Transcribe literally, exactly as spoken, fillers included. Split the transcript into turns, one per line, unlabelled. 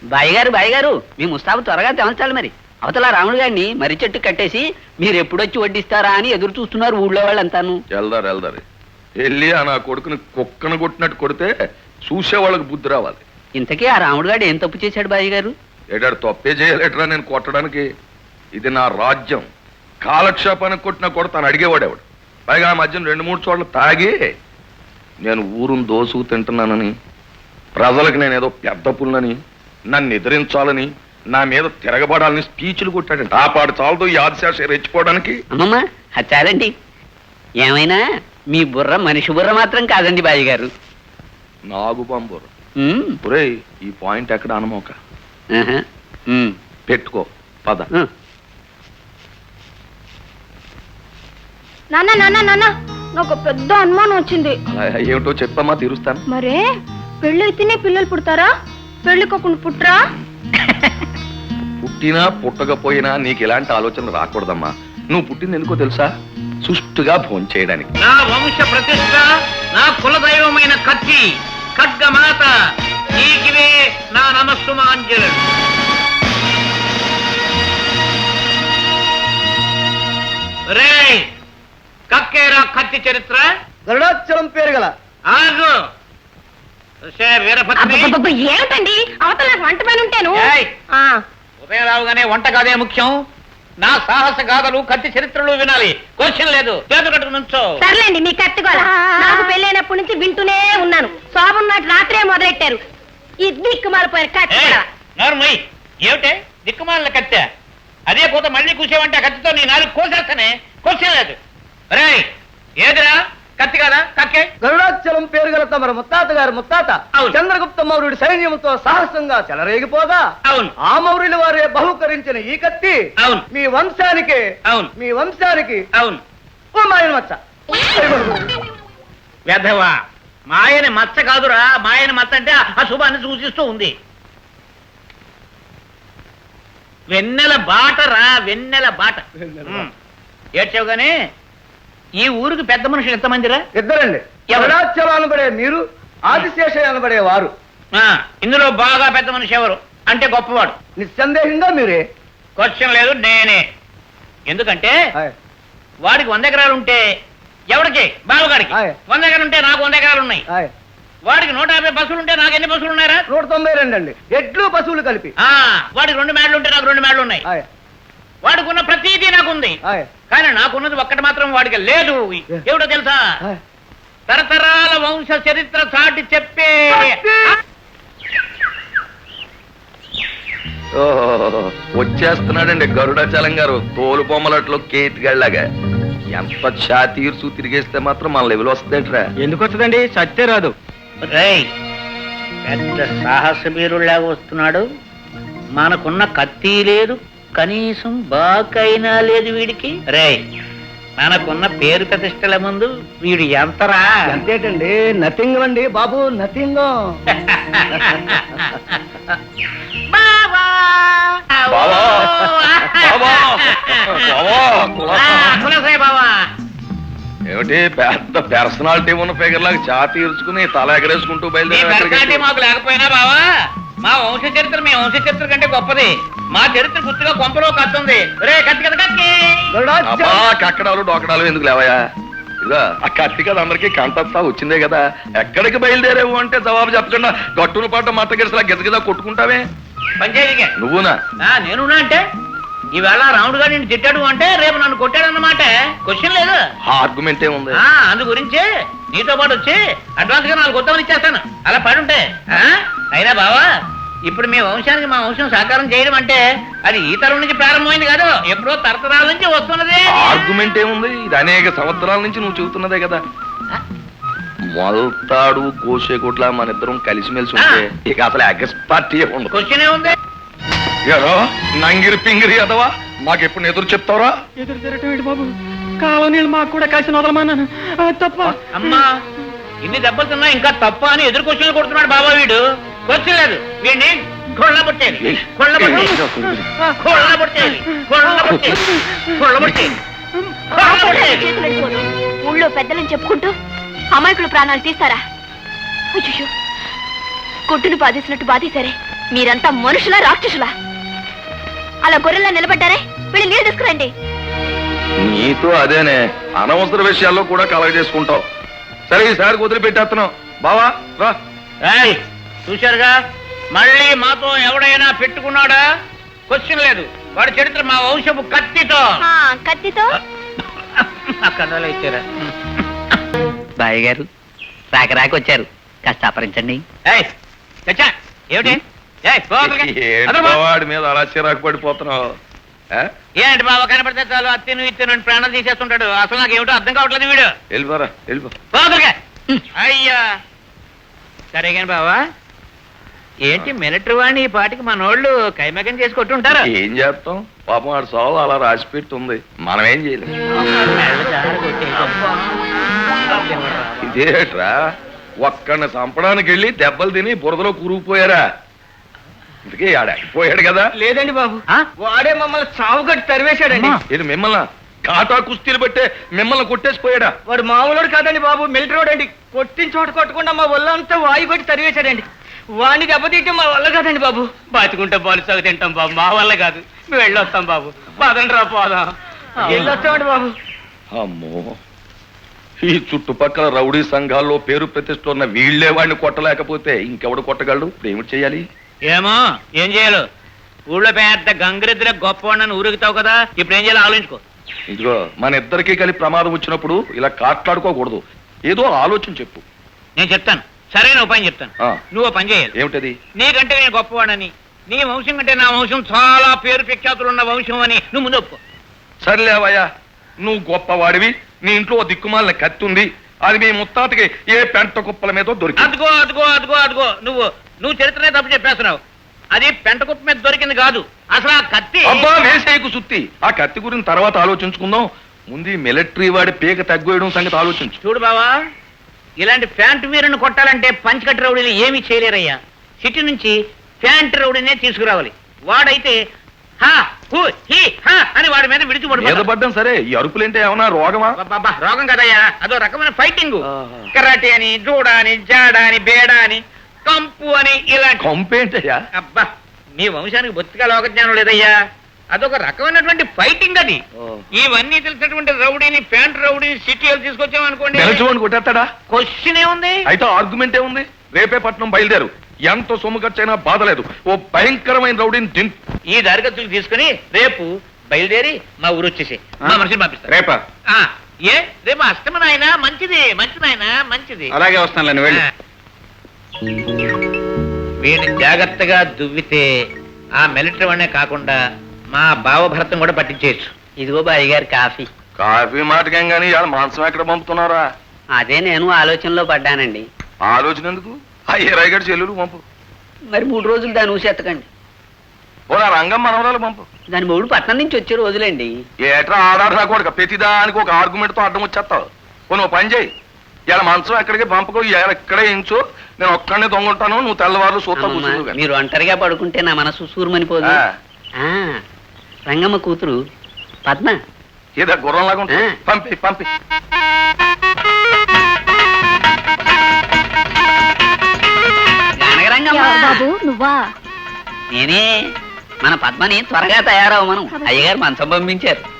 బాయ్యగారు బాయ్యగారు మీ ముస్తాబు త్వరగా తెమల్చాలి. మరి అవతల రాముడు గారిని మర్రి చెట్టు కట్టేసి మీరు ఎప్పుడొచ్చి వడ్డిస్తారా అని ఎదురు చూస్తున్నారు ఊళ్ళో వాళ్ళంతాను.
వెళ్దారు వెళ్దారు వెళ్ళి ఆ నా కొడుకుని కుక్కను కొట్టినట్టు కొడితే చూసే వాళ్ళకి బుద్ధి రావాలి.
ఇంతకీ ఆ రాముడు గారు ఏం తప్పు చేశాడు బాయ్య గారు?
ఏడాడు తప్పే చేయలేటరా నేను కొట్టడానికి. ఇది నా రాజ్యం. కాలక్షేపానికి కొట్టినా కూడా తను అడిగేవాడేవాడు. పైగా ఆ మధ్యన రెండు మూడు చోట్ల తాగి నేను ఊరును దోసుకు తింటున్నానని, ప్రజలకు నేను ఏదో పెద్ద పుల్లని, నన్ను ఎదిరించాలని, నా మీద తిరగబడాలని స్పీచ్లు కొట్టాడంట. ఆ పాడు చాలదు ఈ ఆదిశాష రెచ్చిపోవడానికి.
అమ్మమ్మ చాలండి. ఏమైనా మీ బుర్ర మనిషి బుర్ర మాత్రం కాదండి బాయ్య గారు,
నాగు బాంబుర్ర. ఒరే ఈ పాయింట్ ఎక్కడ అనమోక పెట్టుకో పద.
నాన్న నాన్న నాన్న నాకు పెద్ద అనుమానం వచ్చింది.
ఏమిటో చెప్పమ్మా తీరుస్తాను.
మరే పెళ్ళి అయితేనే పిల్లలు పుడతారా, పెళ్లి కాకుండా పుట్టరా?
పుట్టినా పుట్టకపోయినా నీకు ఎలాంటి ఆలోచన రాకూడదమ్మా. నువ్వు పుట్టింది ఎందుకో తెలుసా? సుష్టుగా భోజనం చేయడానికి.
నా వంశ ప్రతిష్ట, నా కులదైవమైన కత్తి ఖడ్గమాత, నీకివే నా నమస్సుమాంజలు. రే కక్కేరా కత్తి చరిత్ర.
గరుడాచలం పేరు గల
ఆగు వీరభద్రి.
ఏమిటండి అవతల నాకు వంట పని ఉంటాను.
ఉదయం రావుగానే వంట కాదే ముఖ్యం. నా సాహస గాథలు కత్తి చరిత్రలు వినాలి. క్వశ్చన్ లేదు, చేతు కట్టుకు నుంచో.
సర్లేండి మీ కత్తి గోల నాకు పెళ్ళైనప్పటి నుంచి వింటూనే ఉన్నాను. శోభం నాటి రాత్రే మొదలెట్టారు ఈ దిక్కుమాలిపోయారు కత్తి.
నోర్మయ్ ఏమిటే దిక్కుమాలిన కత్తె? అదే పోత మళ్ళీ కూసేవంటే కత్తితో నీ నాలుగు కోసేస్తానే. క్వశ్చన్ లేదు. రే ఏదిరా కత్తి కదా కక్కే?
గరుడాచలం పేరు గల తమరు ముత్తాత గారు ముత్తాత చంద్రగుప్త మౌర్యుడి సైన్యంతో సాహసంగా చెలరేగిపోగా
అవును
ఆ మౌర్యుల వారే బహుకరించిన ఈ కత్తి
అవును
మీ వంశానికి
అవును
మీ వంశానికి
అవును
ఓ మాయన మచ్చ.
వెధవా మాయని మచ్చ కాదురా, మాయని మచ్చ అంటే అశుభాన్ని సూచిస్తూ ఉంది. వెన్నెల బాటరా, వెన్నెల బాట. ఏడ్చావు గానీ ఈ ఊరికి పెద్ద మనుషులు ఎంతమందిరా?
ఇద్దరండి. గరుడాచలం అనబడే మీరు, ఆదిశేష అనబడే వారు.
ఇందులో బాగా పెద్ద మనిషి ఎవరు అంటే గొప్పవాడు?
నిస్సందేహంగా మీరే.
క్వశ్చన్ లేదు, నేనే. ఎందుకంటే వాడికి వంద ఎకరాలు ఉంటే ఎవరికి? బావగాడికి. వంద ఎకరాలు ఉంటే నాకు వంద ఎకరాలు ఉన్నాయి. వాడికి నూట యాభై బస్సులు ఉంటే నాకు ఎన్ని బస్సులు ఉన్నారా?
నూట తొంభై రెండు అండి, ఎడ్లు పశువులు కలిపి.
వాడికి రెండు మేడలు ఉంటే నాకు రెండు మేడలు ఉన్నాయి. వాడికి ఉన్న ప్రతిదీ నాకుంది, కానీ నాకున్నది ఒక్కటి మాత్రం వాడికి లేదు. ఏమిటో తెలుసా? తరతరాల వంశ చరిత్ర చాటి చెప్పే.
వచ్చేస్తున్నాడండి గరుడాచలం గారు తోలు బొమ్మలట్లో కేతిగాళ్ళగా. ఎంత ఛాతీర్సు తిరిగేస్తే మాత్రం మన లెవెల్ వస్తుందేట్రా?
ఎందుకు వస్తుందండి, సత్తే రాదు.
పెద్ద సాహస వీరులాగా వస్తున్నాడు. మనకున్న కత్తి లేదు, కనీసం బాకైనా లేదు వీడికి. రే మనకున్న పేరు ప్రతిష్టల ముందు వీడు ఎంతరా?
అంతేటండి, నథింగ్ అండి బాబు, నథింగ్.
ఏమిటి పెద్ద పర్సనాలిటీ ఉన్న ఫిగర్ లాగా ఛాతీ ఇరుచుకుని తల ఎగరేసుకుంటూ బయలుదేరి?
మాకు లేకపోయినా బావా మా వంశ చరిత్ర మీ వంశ చరిత్ర కంటే గొప్పది. మా చరిత్ర గుర్తుగా కొంపలో కత్తుంది. రే కత్తి కదా కత్తి.
కక్కడాలు డోకడాలు ఎందుకు లేవయా? ఇదా ఆ కత్తి కదా అందరికీ కంటస్తా వచ్చిందే కదా. ఎక్కడికి బయలుదేరేవు అంటే జవాబు చెప్పకుండా గట్టును పాట మత గిరిసలా గిజగిజా కొట్టుకుంటావే.
పంచాయతీగా
నువ్వునా?
నేనున్నా అంటే ఈవేళ రాముడు గారు నిన్ను తిట్టాడు అంటే రేపు నన్ను కొట్టాడు అన్నమాట. క్వశ్చన్ లేదు,
ఆర్గ్యుమెంట్ ఏముంది.
అందు గురించి నీతో పాటు వచ్చి అడ్వాన్స్ గా నాలుగు కొత్తమని ఇచ్చేస్తాను. అలా పడి ఉంటే. అయినా బావా ఇప్పుడు మీ వంశానికి మా వంశం సాకారం చేయడం అంటే అది ఈ తరం నుంచి ప్రారంభమైంది కాదు, ఎప్పుడో తరతరాల నుంచి వస్తున్నది.
ఆర్గ్యుమెంట్ ఏముంది, ఇది అనేక సంవత్సరాల నుంచి నువ్వు చెబుతున్నదే కదా. మొలతాడు కోసేకోట్ల మన ఇద్దరం కలిసిమెలిసి ఉంటే ఇక అసలు అగస్ పార్టీ ఉండదు.
క్వశ్చన్ ఏముంది?
ఏదో నంగిరి పింగిరి అదవా మాకెప్పుడు ఎదురు చెప్తావరా?
ఎదురు తిరగటం ఏంటి బాబు, కాలం నీళ్ళు మాకు కూడా కలిసి వదలమన్నాను తప్ప.
అమ్మా ఇన్ని దెబ్బలు తిన్నా ఇంకా తప్ప అని ఎదురు క్వశ్చన్లు కొడుతున్నాడు బాబా వీడు. క్వశ్చన్ లేదు, వీడిని కొళ్ళ పట్టేది కొళ్ళ పట్టేది కొళ్ళ పట్టేది కొళ్ళ పట్టేది కొళ్ళ పట్టేది.
ఊళ్ళో పెద్దలని చెప్పుకుంటూ అమాయకుడు ప్రాణాలు తీస్తారా? కొట్టును బాధేసినట్టు బాధేశారే, మీరంతా మనుషులా రాక్షసులా? అలా గొర్రెల్లా నిలబడ్డారే, వెళ్ళి నీళ్ళు తీసుకురండి.
నీతో అదేనే అనవసర విషయాల్లో కూడా కలగ చేసుకుంటావు. సరే ఈసారి వదిలిపెట్టేస్తున్నావు బావా రా.
ఏయ్, చూశారుగా, మళ్ళీ మాతో ఎవడైనా పెట్టుకున్నాడా? క్వశ్చన్ లేదు. వాడి చరిత్ర మా వంశపు కత్తితో.
ఆ, కత్తితో
అక్కడ ఇచ్చారా?
బాయ్ గారు రాక రాక వచ్చారు, కాస్త అపరించండి.
ఏయ్, చచ్చా, ఏమిటి? ఏయ్, పో అక్కడికి.
ఏంటి
అదరు పో.
బావాడి మీద అలా చిరాకు పడిపోతున్నావు? ఆ?
ఏంటి బాబా, కనపడితే చాలు అత్తిను ఇత్తిను అని ప్రాణం తీసేస్తుంటాడు. అసలు నాకు ఏమిటో అర్థం కావట్లేదు వీడు.
వెళ్ళిపోరా వెళ్ళిపో.
పో అక్కడికి. అయ్యా, సరే కానీ బావా, ఏంటి మిలిటరీ వాడిని ఈ పాటికి మనోళ్ళు కైమకం చేసి కొట్టుంటారు.
ఏం చేస్తాం, పాపం ఆడు సావు అలా రాసి పెట్టి ఉంది, మనం ఏం చేయలేం. ఇదేట్రా, ఒక్కడిని చంపడానికి వెళ్ళి దెబ్బలు తిని బురదలో కూరుకుపోయారా? ఇందుకే ఆడాకపోయాడు కదా.
లేదండి బాబు,
ఆ?
వాడే మమ్మల్ని చావుగట్టి తరివేశాడండి.
ఇది మిమ్మల్ని కాటా కుస్తీలు పెట్టే మిమ్మల్ని కొట్టేసిపోయాడా?
వాడు మామూలుడు కాదండి బాబు, మిలిటరీ వాడు అండి. కొట్టిన చోట కొట్టకుండా మా ఒళ్ళంతా వాయు కొట్టి తరివేశాడండి. వాడిని దెబ్బతీయటం మా వల్ల కాదండి బాబు.
బతుకుంటే బాలు సాగు తింటాం బాబు, మా వల్ల కాదు. మేము వెళ్ళొస్తాం బాబు, పదండి రా పోదాం.
వెళ్ళొచ్చామండి బాబు.
అమ్మో, ఈ చుట్టుపక్కల రౌడీ సంఘాల్లో పేరు ప్రతిష్టలు ఉన్న వీళ్లే వాడిని కొట్టలేకపోతే ఇంకెవడు కొట్టగలడు? ఇప్పుడు ఏమిటి చేయాలి?
ఏమో ఏం చేయాలి? ఊళ్ళో పెద్ద గంగిరెద్దుల గొప్పవాడిని ఊరుగుతావు కదా, ఇప్పుడు ఏం చేయాలో ఆలోచించుకో.
ఇదిగో, మన ఇద్దరికీ కలిపి ప్రమాదం వచ్చినప్పుడు ఇలా కాట్లాడుకోకూడదు. ఏదో ఆలోచన చెప్పు.
నేను చెప్తాను, సరైన ఉపాయం చెప్తాను.
ఆ.
నువ్వు పని చేయాలి.
ఏమిటది?
నీకంటే నేను గొప్పవాడని, నీ వంశం కంటే నా వంశం చాలా పేరు ప్రఖ్యాతులు ఉన్న వంశం అని నువ్వు ముందు ఒప్పుకో.
సర్లేవయ్యా, నువ్వు గొప్పవాడివి, నీ ఇంట్లో ఓ దిక్కుమాలిన కత్తి ఉంది, అది మీ ముత్తాతకి ఏ పెంట కుప్పల మీద దొరికింది.
అదిగో అదిగో అదిగో అదిగో నువ్వు నువ్వు చరిత్రనే తప్పు చెప్పేస్తున్నావు. అది పెంట కుప్ప మీద దొరికింది కాదు, అసలు ఆ కత్తి.
అబ్బా వేసేయకు సుత్తి, ఆ కత్తి గురించి తర్వాత ఆలోచించుకుందాం. ముందు ఈ మిలిటరీ వాడి పీక తగ్గేయడం సంగతి ఆలోచించు.
చూడు బావా, ఇలాంటి ప్యాంటు వీరుని కొట్టాలంటే పంచకట్టు రౌడీలు ఏమీ చేయలేరయ్యా. సిటీ నుంచి ప్యాంటు రౌడీనే తీసుకురావాలి. వాడైతే హా హూ హీ హా అని వాడి మీద
మీద
విడిచిపడు.
పడ్డం సరే, ఈ అరుపులేంటే ఏమన్నా రోగమా?
అబ్బబ్బా, రోగం కదయ్యా, అదో రకమైన ఫైటింగ్.
ఆహా.
కరాటే అని, జూడా అని, జాడా అని, బేడా అని, కంపు అని, ఇలాంటి.
కంపేంటయ్యా?
అబ్బా, మీ వంశానికి బొత్తిగా లోకజ్ఞానం లేదయ్యా. అదొక రకమైనటువంటి ఫైటింగ్ అది.
ఓ.
ఇవన్నీ తెలిసినటువంటి రౌడీని, ప్యాంట్ రౌడీని సిటీలు తీసుకొచ్చామనుకోండి,
నిలచుకొని కొట్టేస్తాడా?
క్వశ్చన్ ఏముంది?
అయితే ఆర్గ్యుమెంట్ ఏముంది? రేపే పట్నం బయలుదేరు, ఎంత సొమ్ము ఖర్చైనా బాధలేదు. ఓ భయంకరమైన రౌడీని దింపు.
ఈ దారిగతులు తీసుకుని రేపు బయలుదేరి మా ఊరు వచ్చేసి మా మనుషులు పంపిస్తారు.
రేపా?
ఆ, ఏ రేపు అష్టమ నాయన, మంచిది మంచిది నాయన, మంచిది.
అలాగే వస్తానులేండి, వెళ్ళు.
వీడిని జాగ్రత్తగా దువ్వితే ఆ మిలిటరీ వాడినే కాకుండా మా బావ భరతం కూడా పట్టించేయచ్చు.
ఇదిగో బాయ్ గారు కాఫీ.
కాఫీ మాటకేం గానీ ఇవాళ మాంసం ఎక్కడ పంపుతున్నారా?
అదే నేను ఆలోచనలో పడ్డానండి.
ఆలోచన ఎందుకు? ఆ ఏరాయిగడ చెల్లెలు పంపు.
మరి మూడు రోజులు దాని ఊసెత్తకండి.
ఓ నా రంగం మనవరాలు పంపు.
దాని మూడు పట్నం నుంచి వచ్చే రోజులండి.
ఏట్రా ఆడాడు కూడా ప్రతిదానికి ఒక ఆర్గ్యుమెంట్ తో అడ్డం వచ్చేస్తావు. ఓ నువ్వు పని చేయి, ఇలా మంచం ఎక్కడికి పంపకు, ఇలా ఇక్కడే ఇంచు, నేను ఒక్కడనే దొంగంటాను, నువ్వు తెల్లవారు సూత్తా
అమ్మమ్మ,
కూర్చుందు.
మీరు ఒంటరిగా పడుకుంటే నా మనసు సూరమనిపోదు. ఆ, రంగమ్మ కూతురు పద్మ.
ఏదో గుర్రంలాగా ఉంటుంది.
ఆ.
పంపి పంపి.
గనగరంగమ్మ.
బాబు నువ్వా?
నేనే. మన పద్మని త్వరగా తయారవమను అయ్యగారు మంచం పంపించారు.